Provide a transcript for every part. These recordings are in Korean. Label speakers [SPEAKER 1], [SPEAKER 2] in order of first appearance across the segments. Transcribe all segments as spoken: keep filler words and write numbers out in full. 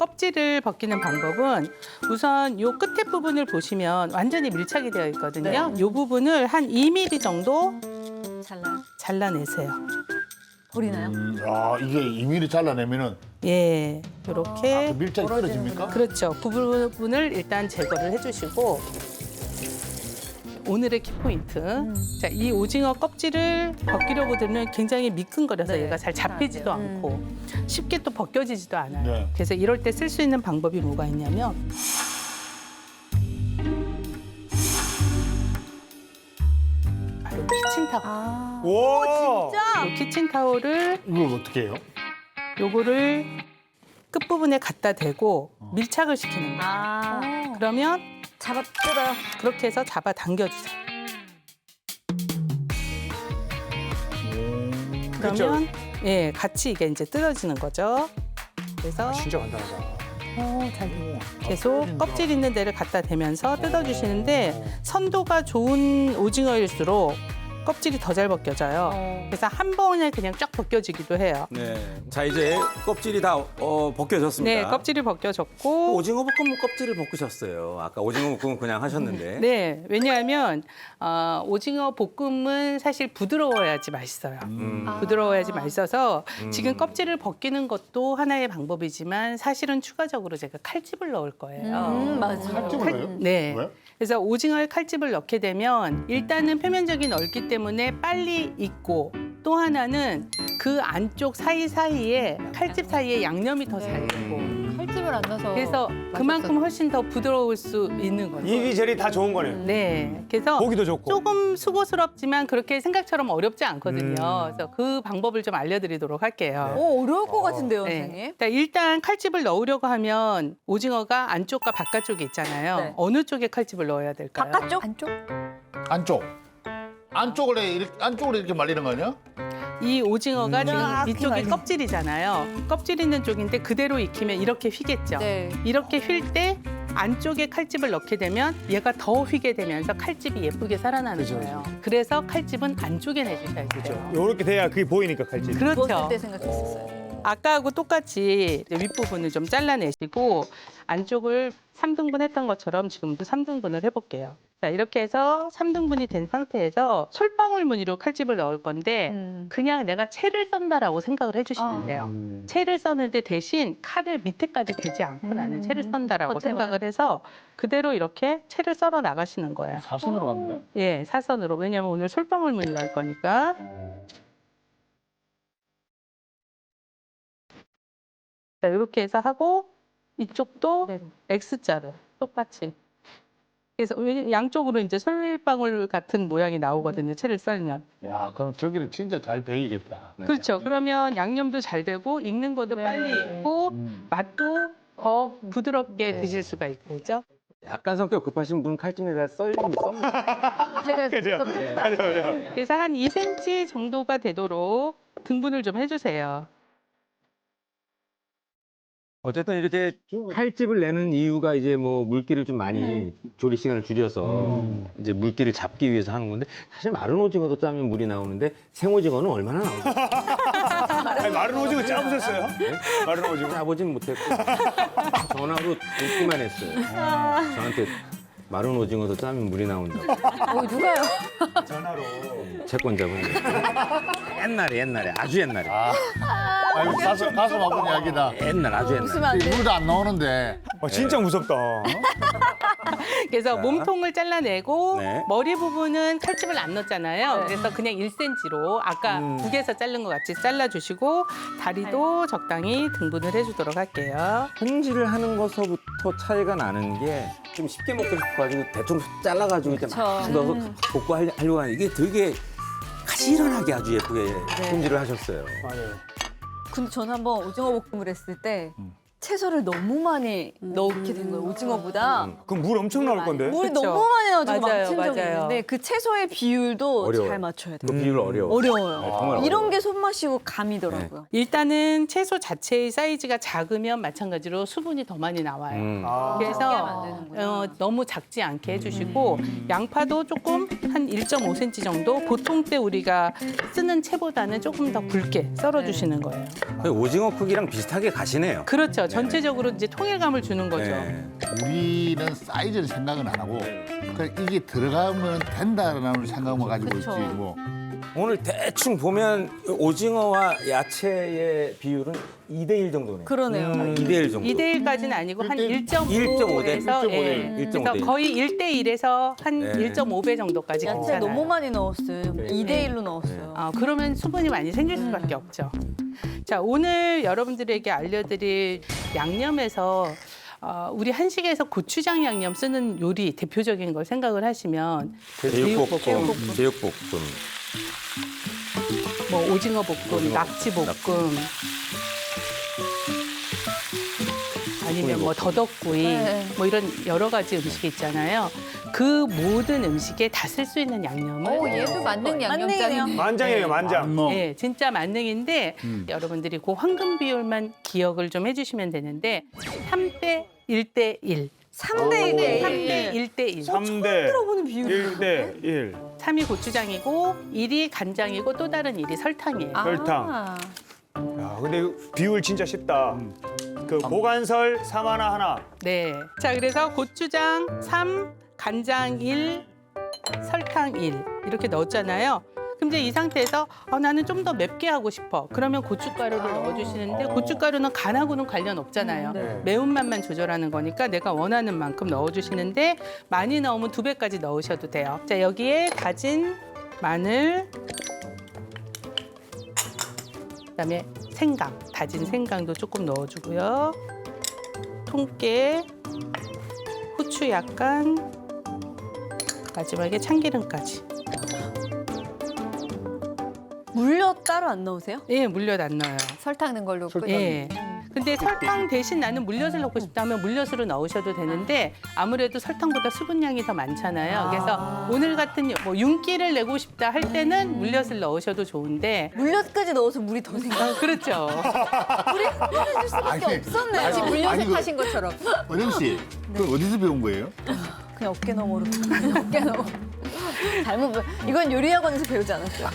[SPEAKER 1] 껍질을 벗기는 방법은 우선 요 끝에 부분을 보시면 완전히 밀착이 되어 있거든요.
[SPEAKER 2] 네.
[SPEAKER 1] 요 부분을 한 이 밀리미터 정도
[SPEAKER 2] 잘라요.
[SPEAKER 1] 잘라내세요.
[SPEAKER 2] 버리나요?
[SPEAKER 3] 음, 아, 이게 이 밀리미터 잘라내면은
[SPEAKER 1] 예, 요렇게.
[SPEAKER 3] 그 밀착이 떨어집니까?
[SPEAKER 1] 그렇죠. 그 부분을 일단 제거를 해주시고 오늘의 키포인트.
[SPEAKER 2] 음.
[SPEAKER 1] 자, 이 오징어 껍질을 벗기려고 들면 굉장히 미끈거려서
[SPEAKER 2] 네,
[SPEAKER 1] 얘가 잘 잡히지도
[SPEAKER 2] 안 돼요.
[SPEAKER 1] 않고 쉽게 또 벗겨지지도 않아요.
[SPEAKER 3] 네.
[SPEAKER 1] 그래서 이럴 때 쓸 수 있는 방법이 뭐가 있냐면 바로 키친타올.
[SPEAKER 2] 아.
[SPEAKER 4] 오,
[SPEAKER 2] 진짜?
[SPEAKER 1] 이 키친타올을
[SPEAKER 3] 이걸 어떻게 해요?
[SPEAKER 1] 요거를 끝부분에 갖다 대고 밀착을 시키는 거예요.
[SPEAKER 2] 아.
[SPEAKER 1] 그러면
[SPEAKER 2] 잡아 뜯어요.
[SPEAKER 1] 그렇게 해서 잡아 당겨주세요.
[SPEAKER 4] 그렇죠.
[SPEAKER 1] 그러면 예, 같이 이게 이제 뜯어지는 거죠. 그래서
[SPEAKER 4] 아, 진짜 간단하다.
[SPEAKER 2] 어, 잘 돼요.
[SPEAKER 1] 계속 껍질 있는 데를 갖다 대면서 뜯어주시는데 선도가 좋은 오징어일수록 껍질이 더 잘 벗겨져요.
[SPEAKER 2] 어.
[SPEAKER 1] 그래서 한 번에 그냥 쫙 벗겨지기도 해요.
[SPEAKER 5] 네. 자, 이제 껍질이 다 어, 벗겨졌습니다.
[SPEAKER 1] 네, 껍질이 벗겨졌고
[SPEAKER 5] 오징어 볶음 껍질을 벗기셨어요. 아까 오징어 볶음은 그냥 하셨는데.
[SPEAKER 1] 네, 왜냐하면 어, 오징어 볶음은 사실 부드러워야지 맛있어요.
[SPEAKER 5] 음.
[SPEAKER 2] 아.
[SPEAKER 1] 부드러워야지 맛있어서
[SPEAKER 5] 음.
[SPEAKER 1] 지금 껍질을 벗기는 것도 하나의 방법이지만 사실은 추가적으로 제가 칼집을 넣을 거예요.
[SPEAKER 2] 음, 맞아요.
[SPEAKER 3] 칼집을 넣어요?
[SPEAKER 1] 네.
[SPEAKER 3] 왜?
[SPEAKER 1] 그래서 오징어에 칼집을 넣게 되면 일단은 표면적이 넓기 때문에 빨리 익고 또 하나는 그 안쪽 사이사이에 칼집 사이에 양념이 더 잘 되고
[SPEAKER 2] 칼집을 안 넣어서.
[SPEAKER 1] 그래서 그만큼 훨씬 더 부드러울 수 있는 거죠.
[SPEAKER 4] 이리저리 다 좋은 거네요.
[SPEAKER 1] 네. 그래서
[SPEAKER 4] 보기도 좋고.
[SPEAKER 1] 조금 수고스럽지만 그렇게 생각처럼 어렵지 않거든요.
[SPEAKER 4] 음.
[SPEAKER 1] 그래서 그 방법을 좀 알려드리도록 할게요.
[SPEAKER 2] 오, 어려울 것 같은데요,
[SPEAKER 1] 네.
[SPEAKER 2] 선생님.
[SPEAKER 1] 자, 일단 칼집을 넣으려고 하면 오징어가 안쪽과 바깥쪽이 있잖아요.
[SPEAKER 2] 네.
[SPEAKER 1] 어느 쪽에 칼집을 넣어야 될까요?
[SPEAKER 2] 바깥쪽? 안쪽?
[SPEAKER 3] 안쪽. 안쪽을 이렇게, 안쪽으로 이렇게 말리는 거 아니야?
[SPEAKER 1] 이 오징어가
[SPEAKER 2] 음.
[SPEAKER 1] 지금
[SPEAKER 2] 아,
[SPEAKER 1] 이쪽이
[SPEAKER 2] 그렇게
[SPEAKER 1] 껍질이잖아요. 껍질 있는 쪽인데 그대로 익히면 이렇게 휘겠죠.
[SPEAKER 2] 네.
[SPEAKER 1] 이렇게 휠 때 안쪽에 칼집을 넣게 되면 얘가 더 휘게 되면서 칼집이 예쁘게 살아나는
[SPEAKER 4] 그죠,
[SPEAKER 1] 거예요. 그래서 칼집은 안쪽에 내주셔야 돼요.
[SPEAKER 4] 요렇게 돼야 그게 보이니까 칼집.
[SPEAKER 1] 그렇죠.
[SPEAKER 2] 누웠을 때 생각했었어요.
[SPEAKER 1] 아까하고 똑같이 이제 윗부분을 좀 잘라내시고 안쪽을 삼 등분 했던 것처럼 지금도 삼 등분을 해볼게요. 자, 이렇게 해서 삼 등분이 된 상태에서 솔방울 무늬로 칼집을 넣을 건데
[SPEAKER 2] 음.
[SPEAKER 1] 그냥 내가 채를 썬다라고 생각을 해주시면
[SPEAKER 2] 아.
[SPEAKER 1] 돼요.
[SPEAKER 4] 음.
[SPEAKER 1] 채를 써는데 대신 칼을 밑에까지 대지 않고 나는
[SPEAKER 2] 음.
[SPEAKER 1] 채를 썬다라고
[SPEAKER 2] 겉에만.
[SPEAKER 1] 생각을 해서 그대로 이렇게 채를 썰어 나가시는 거예요.
[SPEAKER 3] 사선으로 갑니다.
[SPEAKER 1] 예, 사선으로. 왜냐면 오늘 솔방울 무늬로 할 거니까. 자, 이렇게 해서 하고 이쪽도 X자로 똑같이. 그래서 왜- 양쪽으로 이제 솔방울 같은 모양이 나오거든요. 채를 썰면.
[SPEAKER 3] 야, 그럼 저기를 진짜 잘 배이겠다. 네.
[SPEAKER 1] 그렇죠. 그러면 양념도 잘 되고 익는 것도 빨리 익고
[SPEAKER 3] 음.
[SPEAKER 1] 맛도 더 부드럽게 드실 수가 있고, 그죠?
[SPEAKER 5] 약간 성격 급하신 분 칼집에다 썰면 썹니다.
[SPEAKER 2] 제가
[SPEAKER 4] 그죠?
[SPEAKER 2] 좀-
[SPEAKER 4] 맞아, 맞아.
[SPEAKER 1] 그래서 한 이 센티미터 정도가 되도록 등분을 좀 해주세요.
[SPEAKER 5] 어쨌든 이렇게 칼집을 내는 이유가 이제 뭐 물기를 좀 많이 조리 시간을 줄여서 이제 물기를 잡기 위해서 하는 건데 사실 마른 오징어도 짜면 물이 나오는데 생오징어는 얼마나 나오죠?
[SPEAKER 4] 아니, 마른 오징어 짜보셨어요? 마른 오징어.
[SPEAKER 5] 짜보진 못했고 전화로 듣기만 했어요. 저한테 마른 오징어도 짜면 물이 나온다고
[SPEAKER 2] 어, 누가요?
[SPEAKER 4] 전화로.
[SPEAKER 5] 채권자분이 옛날에 옛날에 아주 옛날에
[SPEAKER 3] 아, 아이고, 가슴, 가슴 아픈 이야기다.
[SPEAKER 5] 옛날 아주 옛날
[SPEAKER 2] 웃으면 안 돼.
[SPEAKER 3] 물도 안 나오는데.
[SPEAKER 4] 어, 진짜 무섭다.
[SPEAKER 1] 그래서
[SPEAKER 5] 자.
[SPEAKER 1] 몸통을 잘라내고
[SPEAKER 5] 네.
[SPEAKER 1] 머리 부분은 칼집을 안 넣었잖아요.
[SPEAKER 2] 네.
[SPEAKER 1] 그래서 그냥 일 센티미터로 아까
[SPEAKER 4] 음.
[SPEAKER 1] 국에서 자른 것 같이 잘라주시고 다리도 적당히 등분을 해주도록 할게요.
[SPEAKER 5] 손질을 하는 것서부터 차이가 나는 게 좀 쉽게 먹고 싶어가지고 대충 잘라가지고 이렇게 막
[SPEAKER 2] 그쵸.
[SPEAKER 5] 넣어서
[SPEAKER 2] 음.
[SPEAKER 5] 볶고 하려- 하려고 하는 이게 되게 가지런하게 아주 예쁘게 손질을 하셨어요.
[SPEAKER 4] 맞아요.
[SPEAKER 2] 근데 저는 한번 오징어 볶음을 했을 때 채소를 너무 많이 넣게 된 거예요, 오징어보다.
[SPEAKER 5] 음.
[SPEAKER 4] 그럼 물 엄청 나올 건데.
[SPEAKER 2] 물이
[SPEAKER 1] 그쵸.
[SPEAKER 2] 너무 많이 나와서
[SPEAKER 1] 맞아요,
[SPEAKER 2] 망친 적이
[SPEAKER 1] 맞아요.
[SPEAKER 2] 있는데 그 채소의 비율도
[SPEAKER 5] 어려워요.
[SPEAKER 2] 잘 맞춰야
[SPEAKER 5] 그
[SPEAKER 2] 돼요.
[SPEAKER 5] 비율 어려워.
[SPEAKER 2] 어려워요.
[SPEAKER 5] 네, 정말
[SPEAKER 2] 이런
[SPEAKER 5] 어려워요.
[SPEAKER 2] 게 손맛이고 감이더라고요.
[SPEAKER 1] 일단은 채소 자체의 사이즈가 작으면 마찬가지로 수분이 더 많이 나와요.
[SPEAKER 5] 음.
[SPEAKER 4] 아.
[SPEAKER 2] 작게 하면 안
[SPEAKER 1] 그래서
[SPEAKER 2] 되는구나.
[SPEAKER 1] 어, 너무 작지 않게 해주시고 양파도 조금 한 일 점 오 센티미터 정도 보통 때 우리가 쓰는 채보다는 조금 더 굵게 썰어주시는 거예요.
[SPEAKER 5] 거의 오징어 크기랑 비슷하게 가시네요.
[SPEAKER 1] 그렇죠. 전체적으로 이제 통일감을 주는 거죠.
[SPEAKER 5] 네.
[SPEAKER 3] 우리는 사이즈를 생각은 안 하고 그냥 이게 들어가면 된다라는 생각만 가지고
[SPEAKER 2] 그쵸.
[SPEAKER 3] 있지 뭐.
[SPEAKER 5] 오늘 대충 보면 오징어와 야채의 비율은 이 대 일 정도네요.
[SPEAKER 2] 그러네요.
[SPEAKER 5] 음, 이 대 일 정도.
[SPEAKER 1] 이 대 일까지는 아니고 한
[SPEAKER 3] 일 대
[SPEAKER 1] 일 점 오
[SPEAKER 5] 대
[SPEAKER 1] 에서
[SPEAKER 3] 일 점 오 대
[SPEAKER 1] 예.
[SPEAKER 5] 일 점 오 대
[SPEAKER 1] 그래서 거의 일 대 일에서 한
[SPEAKER 5] 네.
[SPEAKER 1] 일 점 오 배 정도까지
[SPEAKER 2] 야채
[SPEAKER 1] 괜찮아요.
[SPEAKER 2] 너무 많이 넣었어요.
[SPEAKER 5] 네.
[SPEAKER 2] 이 대 일로 넣었어요.
[SPEAKER 1] 아, 그러면 수분이 많이 생길 수밖에 없죠. 자, 오늘 여러분들에게 알려드릴 양념에서 어, 우리 한식에서 고추장 양념 쓰는 요리 대표적인 걸 생각을 하시면
[SPEAKER 5] 제육볶음,
[SPEAKER 1] 제육볶음.
[SPEAKER 5] 제육볶음.
[SPEAKER 1] 뭐 오징어 볶음, 낙지 볶음, 아니면 뭐 더덕구이,
[SPEAKER 2] 네.
[SPEAKER 1] 뭐 이런 여러 가지 음식이 있잖아요. 그 모든 음식에 다 쓸 수 있는 양념을
[SPEAKER 6] 오, 얘도 만능
[SPEAKER 2] 만능이네요.
[SPEAKER 6] 양념장이네.
[SPEAKER 4] 만장이에요, 만장.
[SPEAKER 3] 뭐
[SPEAKER 1] 네, 진짜 만능인데 여러분들이 그 황금 비율만 기억을 좀 해주시면 되는데 삼 대 일 대 일,
[SPEAKER 2] 삼 대 일 대
[SPEAKER 1] 삼
[SPEAKER 2] 일.
[SPEAKER 1] 대 일 대 일.
[SPEAKER 4] 삼 대
[SPEAKER 2] 들어보는 비율.
[SPEAKER 4] 일 대 일.
[SPEAKER 1] 삼이 고추장이고 일이 간장이고 또 다른 일이 설탕이에요.
[SPEAKER 4] 설탕.
[SPEAKER 2] 아.
[SPEAKER 4] 야, 근데 이거 비율 진짜 쉽다. 그 고간설 삼 하나 하나.
[SPEAKER 1] 네. 자, 그래서 고추장 삼, 간장 일, 설탕 일 이렇게 넣었잖아요. 그럼 이제 이 상태에서 아, 나는 좀 더 맵게 하고 싶어. 그러면 고춧가루를 넣어주시는데 고춧가루는 간하고는 관련 없잖아요.
[SPEAKER 2] 네.
[SPEAKER 1] 매운맛만 조절하는 거니까 내가 원하는 만큼 넣어주시는데 많이 넣으면 두 배까지 넣으셔도 돼요. 자, 여기에 다진 마늘, 그다음에 생강, 다진 생강도 조금 넣어주고요. 통깨, 후추 약간, 마지막에 참기름까지.
[SPEAKER 2] 물엿 따로 안 넣으세요?
[SPEAKER 1] 예, 물엿 안 넣어요.
[SPEAKER 6] 설탕 넣은 걸로 끓여.
[SPEAKER 1] 예. 근데 설탕 대신 나는 물엿을 넣고 싶다면 물엿으로 넣으셔도 되는데 아무래도 설탕보다 수분량이 더 많잖아요. 그래서 오늘 같은 뭐 윤기를 내고 싶다 할 때는 물엿을 넣으셔도 좋은데
[SPEAKER 2] 물엿까지 넣어서 물이 더 생겨.
[SPEAKER 1] 아, 그렇죠.
[SPEAKER 2] 끓여줄 수밖에
[SPEAKER 3] 아니,
[SPEAKER 2] 없었네요.
[SPEAKER 6] 마치
[SPEAKER 3] 아니,
[SPEAKER 6] 물엿을
[SPEAKER 3] 그-
[SPEAKER 6] 타신 것처럼.
[SPEAKER 3] 은영 씨, 그 어디서 배운 거예요?
[SPEAKER 2] 그냥 어깨 너머로. 어깨 너머. 잘못 배- 이건 요리학원에서 배우지 않았어요.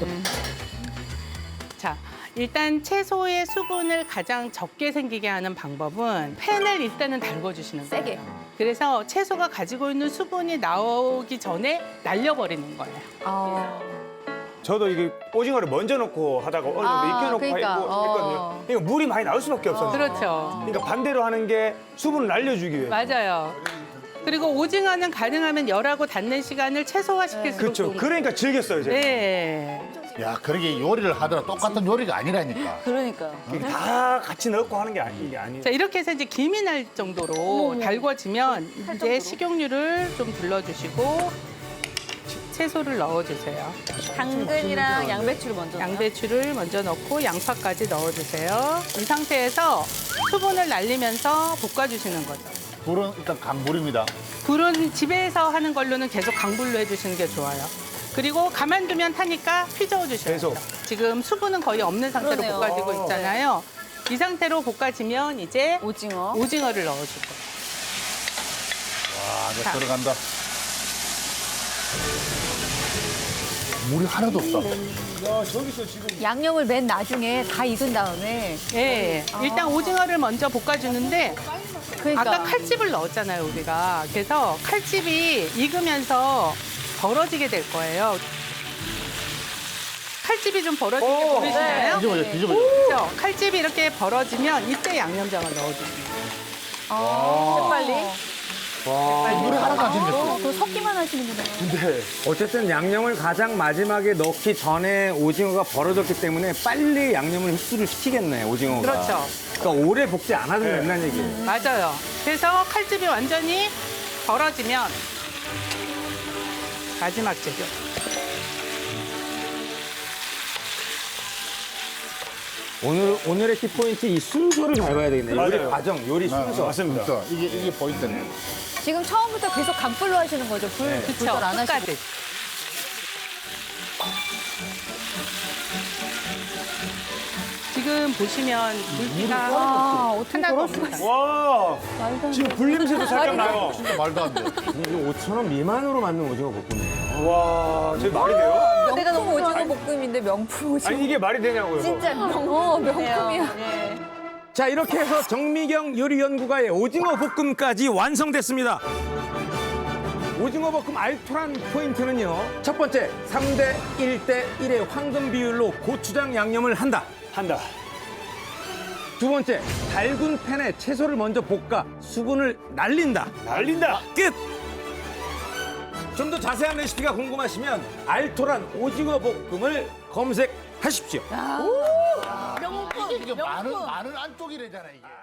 [SPEAKER 1] 자, 일단 채소의 수분을 가장 적게 생기게 하는 방법은 팬을 일단은 달궈주시는 거예요.
[SPEAKER 6] 세게.
[SPEAKER 1] 그래서 채소가 가지고 있는 수분이 나오기 전에 날려버리는 거예요.
[SPEAKER 6] 아.
[SPEAKER 4] 저도 이게 오징어를 먼저 넣고 하다가 어느 정도
[SPEAKER 6] 아,
[SPEAKER 4] 익혀놓고
[SPEAKER 6] 그러니까,
[SPEAKER 4] 했고
[SPEAKER 6] 어.
[SPEAKER 4] 했거든요. 그러니까 물이 많이 나올 수밖에 없었어요.
[SPEAKER 1] 그렇죠.
[SPEAKER 4] 그러니까 반대로 하는 게 수분을 날려주기 위해.
[SPEAKER 1] 맞아요. 그리고 오징어는 가능하면 열하고 닿는 시간을 최소화시킬수록
[SPEAKER 4] 그렇죠.
[SPEAKER 1] 좋은
[SPEAKER 4] 그러니까 즐겼어요, 제가.
[SPEAKER 1] 네.
[SPEAKER 3] 야, 그러게 요리를 하더라 똑같은 요리가 아니라니까.
[SPEAKER 2] 그러니까요.
[SPEAKER 4] 이게 다 같이 넣고 하는 게 아니, 이게 아니에요.
[SPEAKER 1] 자, 이렇게 해서 이제 김이 날 정도로 달궈지면 이제 식용유를 좀 둘러주시고 채소를 넣어주세요.
[SPEAKER 2] 당근이랑 양배추를 먼저 넣어요?
[SPEAKER 1] 양배추를 먼저 넣고 양파까지 넣어주세요. 이 상태에서 수분을 날리면서 볶아주시는 거죠.
[SPEAKER 3] 불은 일단 강불입니다.
[SPEAKER 1] 불은 집에서 하는 걸로는 계속 강불로 해주시는 게 좋아요. 그리고 가만두면 타니까 휘저어 주셔야 돼요.
[SPEAKER 4] 계속.
[SPEAKER 1] 지금 수분은 거의 없는 상태로
[SPEAKER 2] 그러네요.
[SPEAKER 1] 볶아지고 있잖아요. 이 상태로 볶아지면 이제
[SPEAKER 2] 오징어.
[SPEAKER 1] 오징어를 넣어주고.
[SPEAKER 3] 와, 이제
[SPEAKER 1] 자.
[SPEAKER 3] 들어간다. 물이 하나도 없다.
[SPEAKER 4] 야, 저기서 지금
[SPEAKER 6] 양념을 맨 나중에 다 익은 다음에.
[SPEAKER 1] 예, 일단 오징어를 먼저 볶아주는데
[SPEAKER 2] 그러니까.
[SPEAKER 1] 아까 칼집을 넣었잖아요, 우리가. 그래서 칼집이 익으면서 벌어지게 될 거예요. 칼집이 좀 벌어진 게
[SPEAKER 4] 오,
[SPEAKER 1] 보이시나요?
[SPEAKER 3] 뒤집어져, 뒤집어져.
[SPEAKER 1] 그렇죠? 칼집이 이렇게 벌어지면 이때 양념장을 넣어주세요.
[SPEAKER 2] 아, 빨리.
[SPEAKER 3] 물이 하나도 안 생겼어.
[SPEAKER 6] 그거 섞기만 하시는구나.
[SPEAKER 4] 근데
[SPEAKER 5] 어쨌든 양념을 가장 마지막에 넣기 전에 오징어가 벌어졌기 때문에 빨리 양념을 흡수를 시키겠네, 오징어가.
[SPEAKER 1] 그렇죠.
[SPEAKER 5] 그러니까 오래 볶지 않아도
[SPEAKER 4] 네.
[SPEAKER 5] 된다는 얘기예요.
[SPEAKER 1] 맞아요. 그래서 칼집이 완전히 벌어지면 마지막 재료.
[SPEAKER 5] 오늘, 오늘의 키포인트 이 순서를 밟아야 되겠네. 요리
[SPEAKER 4] 맞아요.
[SPEAKER 5] 과정, 요리 순서.
[SPEAKER 4] 맞습니다.
[SPEAKER 3] 진짜. 이게, 이게 포인트네.
[SPEAKER 6] 지금 처음부터 계속 강불로 하시는 거죠? 불
[SPEAKER 1] 그렇죠.
[SPEAKER 6] 조절 안 하시고.
[SPEAKER 1] 끝까지. 지금 보시면 물기가
[SPEAKER 6] 아, 어떻게
[SPEAKER 1] 하나도
[SPEAKER 6] 그럴 수가
[SPEAKER 1] 없어요.
[SPEAKER 4] 와,
[SPEAKER 6] 말도 안
[SPEAKER 4] 지금
[SPEAKER 6] 돼.
[SPEAKER 4] 불냄새도 살짝 나요.
[SPEAKER 3] 진짜 말도 안 돼.
[SPEAKER 5] 이게 오천 원 미만으로 만든 오징어 볶음이에요.
[SPEAKER 4] 와, 저게 말이 돼요?
[SPEAKER 6] 내가 너무 오징어 볶음인데 명품 오징어.
[SPEAKER 4] 아니, 이게 말이 되냐고요.
[SPEAKER 6] 진짜 명, 어, 명품이야.
[SPEAKER 2] 네.
[SPEAKER 5] 자, 이렇게 해서 정미경 요리연구가의 오징어 볶음까지 완성됐습니다. 오징어 볶음 알토란 포인트는요. 첫 번째, 삼 대 일 대 일의 황금 비율로 고추장 양념을 한다.
[SPEAKER 4] 한다.
[SPEAKER 5] 두 번째, 달군 팬에 채소를 먼저 볶아 수분을 날린다.
[SPEAKER 4] 날린다.
[SPEAKER 5] 끝! 좀 더 자세한 레시피가 궁금하시면 알토란 오징어 볶음을 검색하십시오.
[SPEAKER 3] 이게 많은 많은 안쪽이래잖아 이게.